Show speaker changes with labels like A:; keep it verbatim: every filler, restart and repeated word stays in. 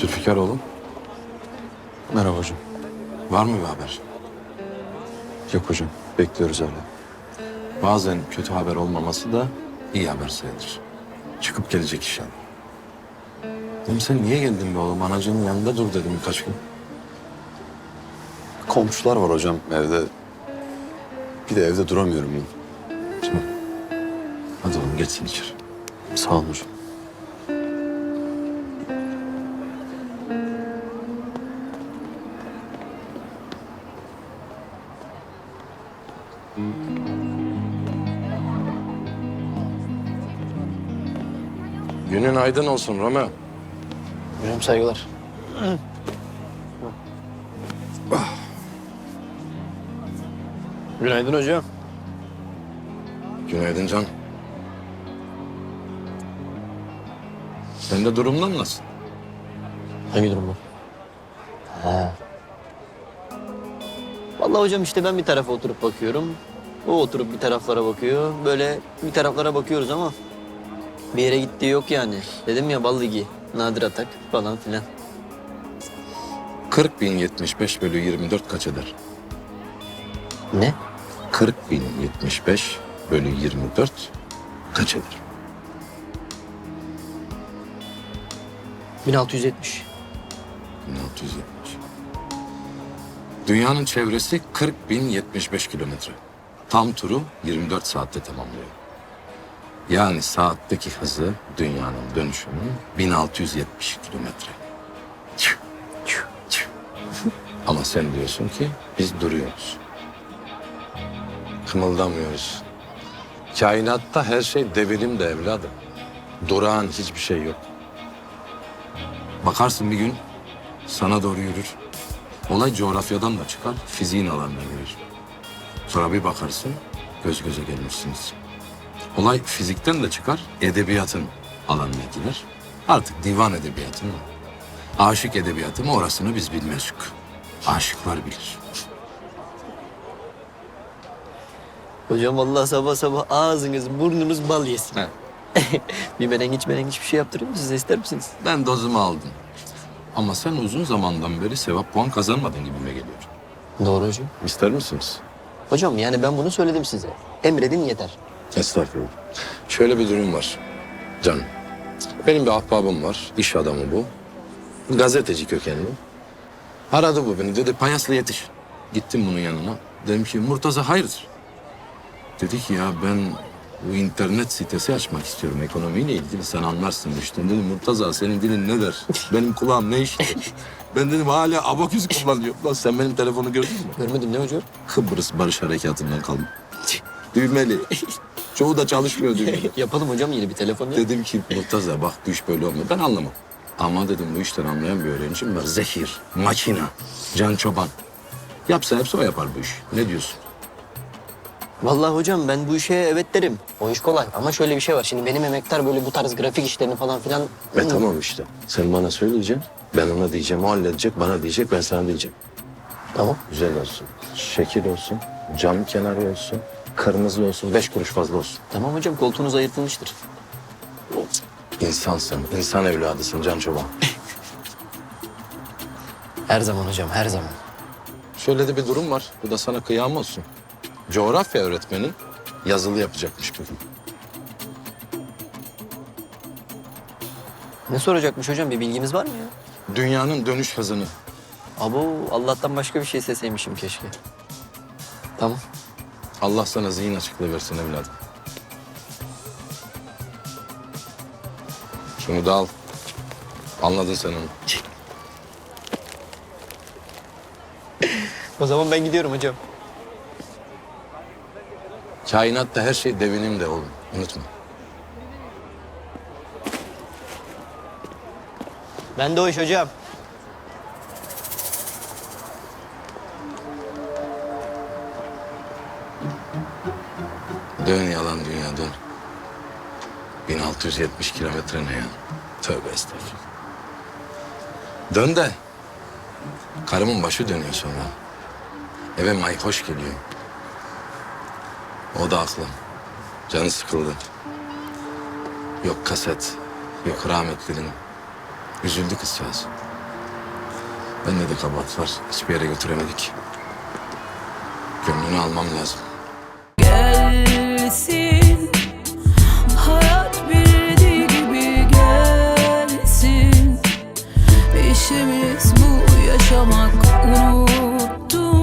A: Zülfikar oğlum,
B: Merhaba hocam.
A: var mı bir haber?
B: Yok hocam, bekliyoruz hala.
A: Bazen kötü haber olmaması da iyi haber sayılır. Çıkıp gelecek inşallah. Oğlum sen niye geldin be oğlum? Anacığının yanında dur dedim birkaç gün.
B: Komşular var hocam evde. Bir de evde duramıyorum ben.
A: Tamam. Hadi oğlum geçsin içeri.
B: Sağ olun hocam.
A: Günün aydın olsun Romeo.
C: Hocam saygılar. Günaydın hocam.
A: Günaydın Can. Sende durumlar nasıl?
C: Hangi durum bu? Ha. Vallahi hocam işte ben bir tarafa oturup bakıyorum. O oturup bir taraflara bakıyor. Böyle bir taraflara bakıyoruz ama bir yere gittiği yok yani. Dedim ya bal ligi, nadir atak falan filan.
A: kırk bin yetmiş beş bölü yirmi dört kaç eder?
C: Ne?
A: kırk bin yetmiş beş bölü yirmi dört kaç eder?
C: bin altı yüz yetmiş.
A: bin altı yüz yetmiş. Dünyanın çevresi kırk bin yetmiş beş kilometre. Tam turu yirmi dört saatte tamamlıyor. Yani saatteki hızı dünyanın dönüşünün bin altı yüz yetmiş kilometre. Tüh, tüh, tüh. Ama sen diyorsun ki biz duruyoruz. Kımıldamıyoruz. Kainatta her şey devinim de evladım. Durağan hiçbir şey yok. Bakarsın bir gün sana doğru yürür. Olay coğrafyadan da çıkar, fiziğin alanına girer. Sonra bir bakarsın, göz göze gelmişsiniz. Olay fizikten de çıkar, edebiyatın alanına girer. Artık divan edebiyatı mı, aşık edebiyatı mı orasını biz bilmezdik. Aşıklar bilir.
C: Hocam vallahi sabah sabah ağzınız burnunuz bal yesin.
A: He.
C: Bir menengiç menengiç bir şey yaptırayım mı size, ister misiniz?
A: Ben dozumu aldım. Ama sen uzun zamandan beri sevap puan kazanmadın gibime geliyor.
C: Doğru hocam.
A: İster misiniz?
C: Hocam yani ben bunu söyledim size. Emredin yeter.
A: Estağfurullah. Şöyle bir durum var canım. Benim bir ahbabım var, iş adamı bu. Gazeteci kökenli. Aradı bu beni, dedi Payaslı yetiş. Gittim bunun yanına. Dedim ki Murtaza hayırdır? Dedi ki ya ben bu internet sitesi açmak istiyorum ekonomiyle ilgili, sen anlarsın işte. Dedim Murtaza senin dilin ne der? Benim kulağım ne işitir? Ben dedim hala abaküs kullanıyorum. Lan sen benim telefonu gördün mü?
C: Görmedim ne hocam?
A: Kıbrıs Barış Harekatı'ndan kaldım. Düğmeli. Çoğu da çalışmıyor düğmeli.
C: Yapalım hocam yeni bir telefon ya.
A: Dedim ki Murtaza bak bu iş böyle olmuyor. Ben anlamam. Ama dedim bu işten anlayan bir öğrencim var. Zehir, makina, Can Çoban. Yapsa hepsi o yapar bu işi. Ne diyorsun?
C: Vallahi hocam ben bu işe evet derim. O iş kolay ama şöyle bir şey var. Şimdi benim emektar böyle bu tarz grafik işlerini falan filan...
A: E tamam işte. Sen bana söyleyeceksin. Ben ona diyeceğim, o halledecek. Bana diyecek, ben sana diyeceğim.
C: Tamam.
A: Güzel olsun. Şekil olsun. Cam kenarı olsun. Kırmızı olsun. Beş kuruş fazla olsun.
C: Tamam hocam koltuğunuz ayırtılmıştır.
A: İnsansın. İnsan evladısın Can Çoban.
C: Her zaman hocam her zaman.
A: Şöyle de bir durum var. Bu da sana kıyam olsun. Coğrafya öğretmenin yazılı yapacakmış bugün.
C: Ne soracakmış hocam, bir bilgimiz var mı ya?
A: Dünyanın dönüş hızını.
C: Abo Allah'tan başka bir şey seseymişim keşke. Tamam.
A: Allah sana zihin açıklığı versin evladım. Şunu da al. Anladın sen onu.
C: O zaman ben gidiyorum hocam.
A: Kainatta her şey devinim de oğlum. Unutma.
C: Ben de o iş hocam.
A: Dön yalan dünya dön. bin altı yüz yetmiş kilometre ne ya? Tövbe estağfurullah. Dön de. Karımın başı dönüyor sonra. Eve mayhoş geliyor. O da haklı. Canı sıkıldı. Yok kaset, yok rahmetlinin. Üzüldü kızcağız. Bende de kabahat var. Hiçbir yere götüremedik. Gönlünü almam lazım.
D: Gelsin, hayat bildiği gibi gelsin. İşimiz bu, yaşamak, unuttum